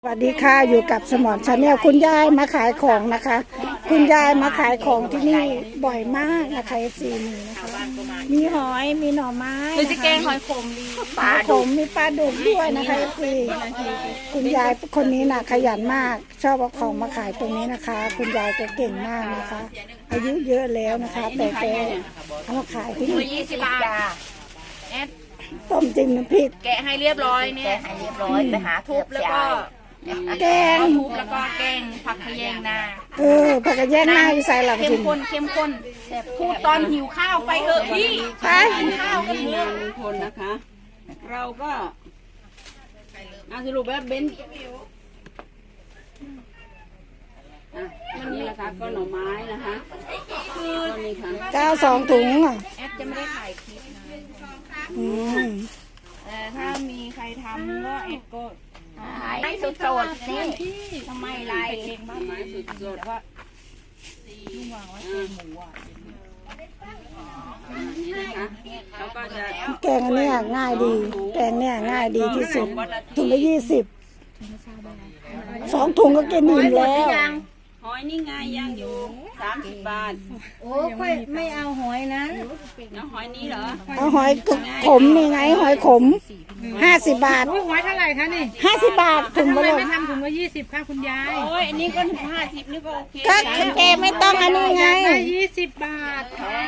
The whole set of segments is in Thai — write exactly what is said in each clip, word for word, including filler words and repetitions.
สวัสดีค่ะอยู่กับสมอนชาแนลคุณยายมาขายของนะคะ คุณยายมาขายของที่นี่บ่อยมากนะคะเอฟซีนี่นะคะมีหอยมีหน่อไม้หรือจะแกงหอยขมดีปลาขมมีปลาดุกด้วยนะคะเอฟซีคุณยายคนนี้นะขยันมากชอบเอาของมาขายตรงนี้นะคะ คุณยายแกเก่งมากนะคะ อายุเยอะแล้วนะคะแต่แกเอามาขายที่นี่ยี่สิบบาทแอดต้มจิ้มน้ำพริกแกะให้เรียบร้อยเนี่ยแกะให้เรียบร้อยไปหาทุบแล้วก็แกงทุบแล้วก็แกงผักขยงนาเออผักกระแยงหน้าอยู่ใส่หลังจเข้ริงมข้นเข้มข้นพูดตอนหิวข้าวไปเถอะพี่ไปกินข้าวกันเถอะทุกคนนะคะ เราก็อาสรุปว่าเบนอ่ะนี่นะคะก็หน่อไม้นะคะคือนี่ค่ะเก้าสองถุงอ่ะแอดจะไม่ได้ถ่ายคลิปนะอืมแต่ถ้ามีใครทำก็แอดก็ไม่สุดโสดนี่ทำไมไรเองบ้างไม้สุดสดแต่ว่าลุงวางไว้เป็นหมูอ่ะนี่นะคะแล้วก็จะแกงอันเนี้ยง่ายดีแกงเนี้ยง่ายดีที่สุดถุงละยี่สิบสองถุงก็กินอิ่มแล้วหอยนี่ไงย่างอยู่สามสิบบาทโอ้ค่อยไม่เอาหอยนั้นแล้วหอยนี้เหรอเอาหอยขมนี่ไงหอยขมห้าสิบบาทหอยเท่าไหร่คะนี่ห้าสิบบาทถุงทำไมเลยไม่ทำถุงละยี่สิบค่ะคุณยายโอ้ยอันนี้ก็ห้าสิบนี่ก็โอเคก็แกไม่ต้องอันนี้ไงได้ยี่สิบบาท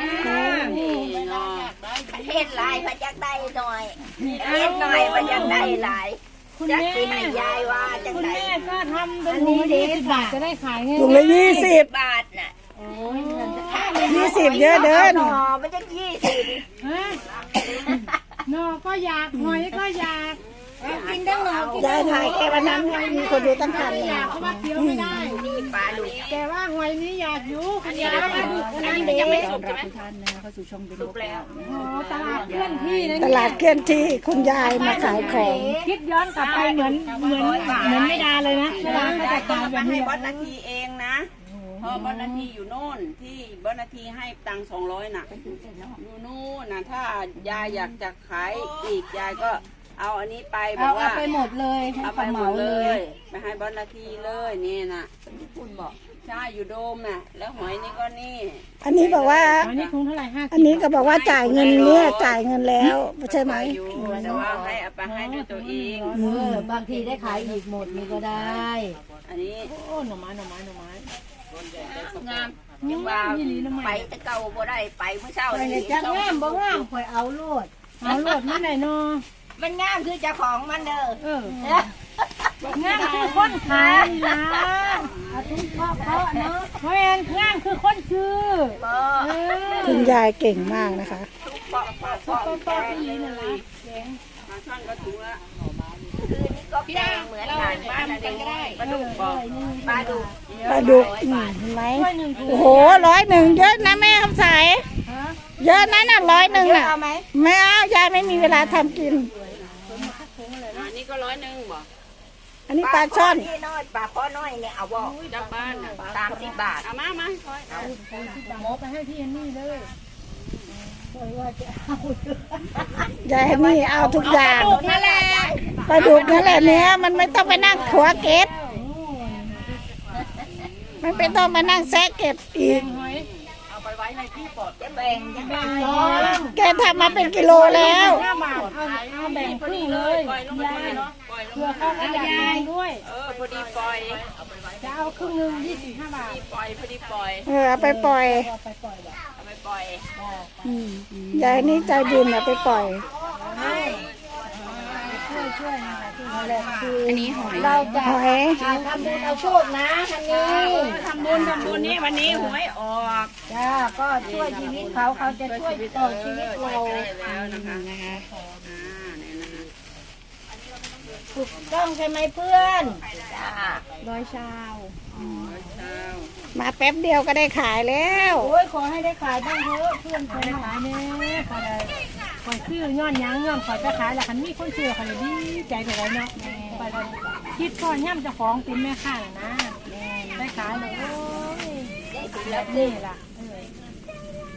เฮ็ดลายพระจักได้หน่อยเฮ็ดหน่อยพระจักได้หลายคุณแม่ยายว่าจังคุณไดแม่ก็ทำเป็นถุงละยี่สิบบาทจะได้ขายไงถุงละยี่สิบบาทน่ะยี่สิบเยอะเดินหน่อมันจะยี่สิบหน่อก็อยากหอยก็อยากกินได้หน่อยายถ่ายแค่วันนั้นมีคนดูตั้งพันอยากเพราะว่าเคี้ยวไม่ได้ปลาดุกแต่ว่าหอยนี้อยากอยู่คุณยายปลาดุกอันนี้ยังไม่สุกใช่ไหมสุกแล้วโอ้ตลาดเคลื่อนที่นะตลาดเคลื่อนที่คุณยายมาขายของคิดย้อนกลับไปเหมือนเหมือนเหมือนไม่ดาเลยนะเวลาเขาจะขายแบบให้นี้บอสนาทีเองนะพอบอสนาทีอยู่โน่นที่บอสนาทีให้ตังสองร้อยน่ะอยู่นู่นนะถ้ายายอยากจะขายอีกยายก็เอาอันนี้ไปบอกว่าเอาไปหมดเลยเอาไปหมดเลยไปให้บอสนาทีเลยนี่นะคุณบอกใช่อยู่โดมน่ะแล้วหอยนี่ก็นี่อันนี้บอกว่าอันนี้คงเท่าไหร่ห้าอันนี้ก็บอกว่าจ่ายเงินเนี่ยจ่ายเงินแล้วใช่ไหมแต่ว่าให้เอาไปให้ด้วยตัวเองเออบางทีได้ขายอีกหมดนี่ก็ได้อันนี้โอ้หน่อไม้หน่อไม้หน่อไม้งามยังว่าไปตะเกาบ่ได้ไปเมื่อเช้านี่จังงามบ่งามข่อยเอาโลดเอาโลดมาไหนเนาะมันงามคือเจ้าของมันเด้อเอองามคือคนขายนะเอาทุกพ่อเพาะเนาะแม่นงามคือคนชื่อคุณยายเก่งมากนะคะปอกปอกปอกปอกที่นี่เลยมาช่างก็ถุงละคือนี่ก็แกงเหมือนกันบ้านกันก็ได้ปลาดุกบอกปลาดุกปลาดุกเห็นไหมโอ้โหร้อยหนึ่งเยอะนะแม่คำใสเยอะนะน่ะร้อยหนึ่งน่ะไม่เอายายไม่มีเวลาทำกินอันนี้ก็ร้อยหนึ่งบอกอันนี้ปลาช่อนน้อยปลาข้อน้อยเนี่ยเอาบอกจากบ้านสามสิบบาทเอามามาเอาหมอไปให้พี่อันนี้เลยยายนี่เอาทุกอย่างปลาดุกนั่นแหละปลาดุกนั่นแหละเนี้ยมันไม่ต้องไปนั่งขัวเก็บมันไม่ต้องมานั่งแซะเก็บอีกเอาไปไว้ในที่ปลอดจะแบ่งจะแบ่งแกทำมาเป็นกิโลแล้วห้าบาทเอาเอาแบ่งครึ่งเลยปล่อยลงมาเนาะปล่อยลงเพื่อเข้ากับยายด้วยเออพอดีปล่อยจะเอาครึ่งหนึ่งยี่สิบห้าบาทปล่อยพอดีปล่อยเออเอาไปปล่อยเอาไปปล่อยยายนี่ใจบุญเอาไปปล่อยช่วยช่วยอันนี้หอยเราจะหอยทำบุญเอาโชคนะทันนี้ทำบุญทำบุญนี่วันนี้หวยออกจ้าก็ช่วยชีวิตเขาเขาจะช่วยต่อชีวิตเราแล้วนะคะนะคะถูกต้องใช่ไหมเพื่อนจ้าร้อยชาวมาแป๊บเดียวก็ได้ขายแล้วโอ้ยขอให้ได้ขายบ้างเถอะเพื่อนเคยขายเนี่ยขายขายซื้อย้อนยังย้อนขายจะขายแล้วคันมีคนซื้อขายดีใจไปเลยเนาะคิดก่อนย่ำจะฟ้องเป็นแม่ค้านะได้ขายเลยโอ้ยนี่ล่ะ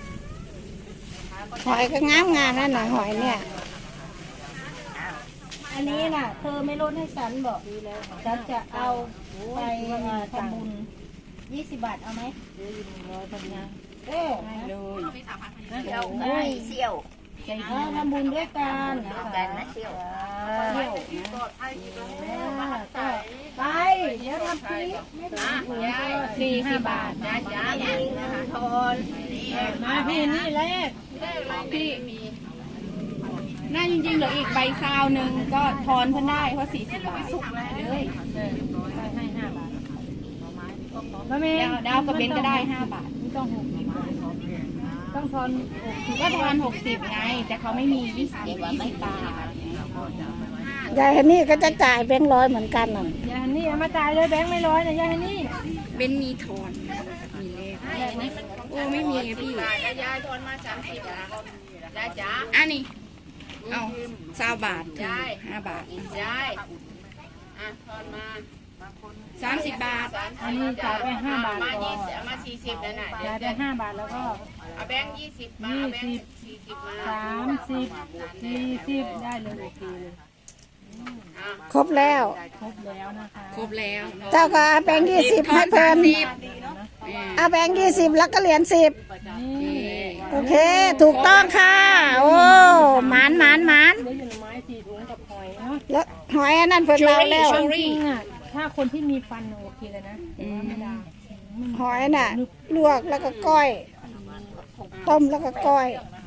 หอยก็งามงามนั่นน่ะหอยเนี่ยอันนี้น่ะ เธอไม่ลดให้ฉันบอกฉันจะเอาไปทำบุญยี่สิบบาทเอาไหมเออเลยเที่ยวไม่เที่ยวเออทำบุญด้วยกันนะกัคะนนะเที่ยวเที่ยวนะก็ไปเดี๋ยวทำคลิปไม่ต้องถึงก็สี่สิบบาทนะจ้าเองนะคะทอนมาพี่นี่เลขพี่น่าจริงๆเหลืออีกใบซาวหนึ่งก็ทอนเพิ่นได้เพราะสี่สิบบาทเลยให้ห้าบาทแล้วแม่ดาวดาวกับเบนก็ได้ห้าบาทไม่ต้องหกสิบต้องทอนหกสิบก็ทอนหกสิบไง แต่เขาไม่มียี่สิบยี่สิบบาทยายฮันนี่ก็จะจ่ายแบงค์ร้อยเหมือนกันน่ะยายฮันนี่เอามาจ่ายเลยแบงค์ไม่ร้อยนะยายฮันนี่เบนมีทอนมีเลขโอ้ไม่มีไงพี่ยายทอนมาสามสิบบาทยายจ๋าอันนี้เอาสามบาทยายห้าบาทยายอ่ะทอนมาสามสิบบาทอันนี้จ่ายไปห้าบาทมาก่อยี่นสิบมาสี่สิบนั่นน่ะจ่ายไปห้าบาทแล้วก็เอาแบงค์ยี่สิบมายี่เอาแบงสิบค์สี่สิบมาสามสิบสี่สิบได้เลยโอเคเลยครบแล้วครบแล้วนะคะครบแล้วเจ้าก็เอาแบงค์ยี่สิบให้เพิ่มเอาแบงค์ยี่สิบแล้วก็เหรียญสิบนี่โอเค ถูกต้องค่ะ โอ้หมานหมานหมานเหลืออยู่หน่อไม้สี่ถุงกับหอยเนาะแล้วหอยอันนั้นเพิ่นเราแล้วจริงๆอ่ะถ้าคนที่มีฟันโอเคเลยนะแต่ว่าไม่ได้หอยน่ะ ลวกแล้วก็ก้อย ต้มแล้วก็ก้อย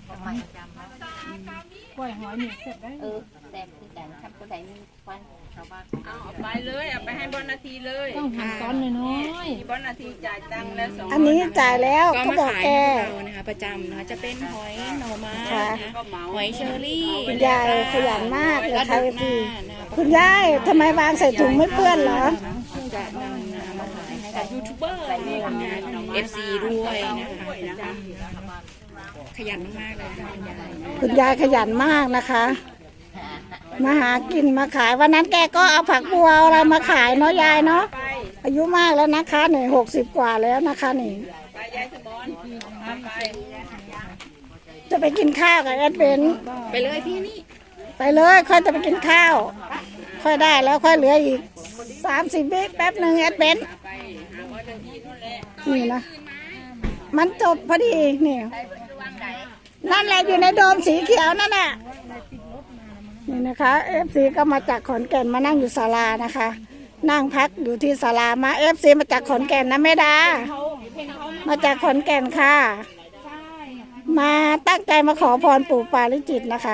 กล้วยหอยหนึ่งเสร็จได้เออแต่คือกันทำคนไหนมีควันชาวบ้านเอาเอาไปเลยเอาไปให้บอนาทีเลยต้องหั่นตอนน้อยมีบอนาทีจ่ายตังค์แล้วสองอันนี้จ่ายแล้วก็บอกแกเรานะคะประจำนะคะจะเป็นหอยหน่อไม้ค่ะนะคะก็เหมาหอยเชอรี่คุณยายขยันมากเลยแล้วค่ะดูพี่หน้านะคะคุณยายทำไมวางใส่ถุงไม่เปื้อนเหรอจะนำนะคะมาขายให้กับยูทูบเบอร์นะคะ เอฟ ซี ด้วยนะคะขยันมากๆเลยค่ะคุณยายคุณยายขยันมากนะคะ มาหากินมาขายวันนั้นแกก็เอาผักบัวเอาอะไรมาขายเนาะยายเนาะไปอายุมากแล้วนะคะหนึ่งหกสิบกว่าแล้วนะคะนี่ไปยายสมอนเอาไปจะไปกินข้าวกับแอดเบนไปเลยพี่นี่ไปเลยค่อยจะไปกินข้าว ค่อยได้แล้วค่อยเหลืออีกสามสิบวิแป๊บหนึ่งแอดเบนไปหาบอนาทีนู่นแหละนี่นะ มันจบพอดีนี่นั่นแหละอยู่ในโดมสีเขียวนั่นน่ะนี่นะคะเอฟซีก็มาจากขอนแก่นมานั่งอยู่ศาลานะคะ นั่งพักอยู่ที่ศาลามาเอฟซีมาจากขอนแก่นนะแม่ดา มาจากขอนแก่นค่ะ มาตั้งใจมาขอพรปู่ปาริจิตนะคะ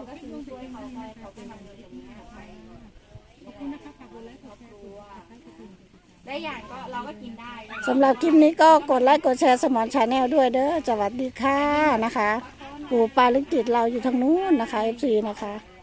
ได้อย่างก็เราก็กินได้สำหรับคลิปนี้ก็กดไลค์กดแชร์สมอนชาแนลด้วยเด้อสวัสดีค่ะนะคะ ปู่ปาริจิตเราอยู่ทางนู้นนะคะเอฟซีนะคะ